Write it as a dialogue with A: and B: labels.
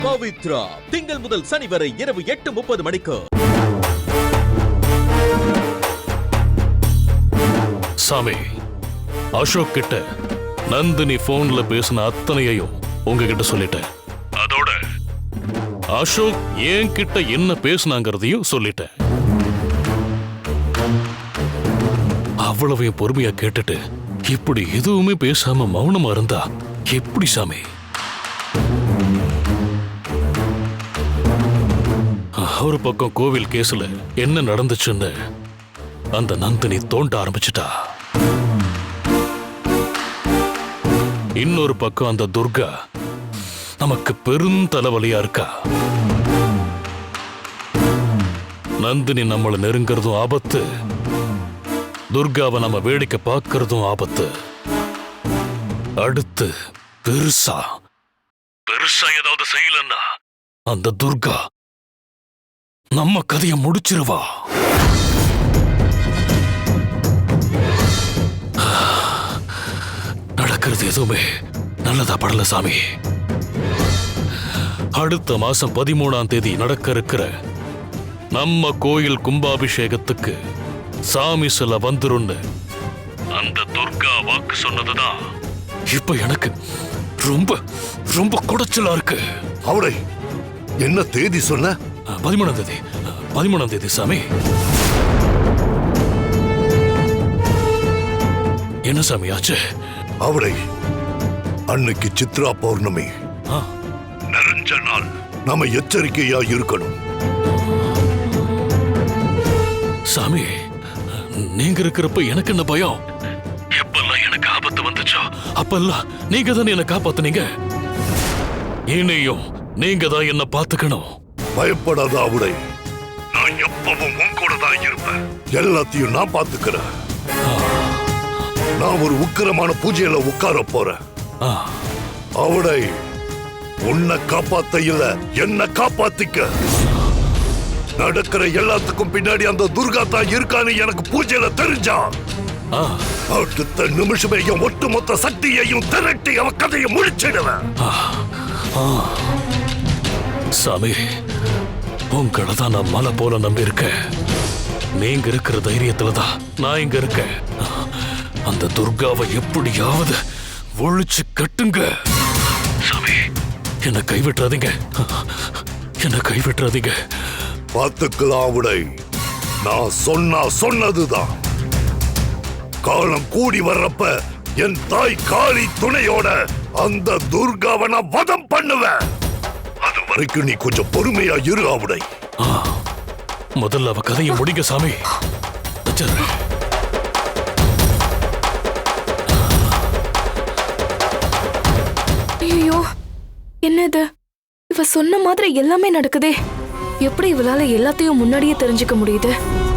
A: பவித்ரா திங்கள் முதல் சனி வரை இரவு 8:30 மணிக்கு.
B: சாமி, அசோக் கிட்ட நந்தினி போன்ல பேசின அத்தனையையும் உங்ககிட்ட சொல்லிட்டேன். அதோட அசோக் ஏன் கிட்ட என்ன பேசினாங்கிறதையும் சொல்லிட்டேன். அவ்வளவையும் பொறுமையா கேட்டுட்டு இப்படி எதுவுமே பேசாம மௌனமா இருந்தா எப்படி சாமி? ஒரு பக்கம் கோவில் கேஸ்ல என்ன நடந்துச்சுன்னு அந்த நந்தினி தோண்ட ஆரம்பிச்சிட்டா. இன்னொரு பக்கம் அந்த துர்கா நமக்கு பெரும் தலைவலியா இருக்கா. நந்தினி நம்மளை நெருங்கிறதும் ஆபத்து, துர்காவை நம்ம வேடிக்கை பார்க்கறதும் ஆபத்து. அடுத்து பெருசா ஏதாவது செய்யலன்னா அந்த துர்கா நம்ம கதையை முடிச்சிருவா. நடக்கிறது எதுவுமே நல்லதா படல சாமி. அடுத்த மாசம் 13ஆம் தேதி நடக்க இருக்கிற நம்ம கோயில் கும்பாபிஷேகத்துக்கு சாமி சில வந்துருன்னு அந்த துர்கா வாக்கு சொன்னதுதான் இப்ப எனக்கு ரொம்ப ரொம்ப குடைச்சலா இருக்கு.
C: அவளை என்ன தேதி சொன்ன?
B: 13ஆம் தேதி சாமி. என்ன சாமி ஆச்சு?
C: அவளை அன்னைக்கு சித்ரா பௌர்ணமி நிறைஞ்ச நாள். நாம எச்சரிக்கையா இருக்கணும்.
B: சாமி, நீங்க இருக்கிறப்ப எனக்கு என்ன பயம்? எப்பெல்லாம் எனக்கு ஆபத்து வந்துச்சோ அப்பெல்லாம் நீங்க தான் என்ன காப்பாத்துனீங்க. இனியும் நீங்க தான் என்ன பாத்துக்கணும்.
C: பயப்படாத அவளை, நான் எப்பவும் உன் கூட தான் இருப்பேன். எல்லாத்தையும் நான் பாத்துக்கிறேன். நான் ஒரு உக்கிரமான பூஜையில உட்கார போறேன். அவளை உன்னை காப்பாத்த இல்ல, என்ன காப்பாத்திக்க. நடக்கிற எல்லாத்துக்கும் பின்னாடி அந்த துர்கா தான் இருக்கான்னு எனக்கு பூஜையில தெரிஞ்சா அடுத்த நிமிஷமே என் ஒட்டுமொத்த சக்தியையும் திரட்டி அவ கதையை முடிச்சிடுவேன்.
B: சாமி, உங்களை தான் நான் மலை போல நம்பி இருக்கேன். நீங்க இருக்கிற தைரியத்துலதான் நான் இங்க இருக்கேன். அந்த துர்காவை எப்படியாவது ஒழிச்சு கட்டுங்க. சாமி, என்ன கைவிட்டுறாதீங்க, என்ன கைவிட்டுறாதீங்க.
C: பார்த்துக்கலாம் விடை. நான் சொன்னதுதான். காலம் கூடி வர்றப்ப என் தாய் காளி துணையோட அந்த துர்காவை நான் வதம் பண்ணுவேன். அது வரைக்கும் நீ கொஞ்சம் பொறுமையா இரு அவடை.
B: முதல்ல அவ கதையை முடிங்க சாமி.
D: ஐயோ, என்னது? இவ சொன்ன மாதிரி எல்லாமே நடக்குதே. எப்படி இவளால எல்லாத்தையும் முன்னாடியே தெரிஞ்சுக்க முடியுது?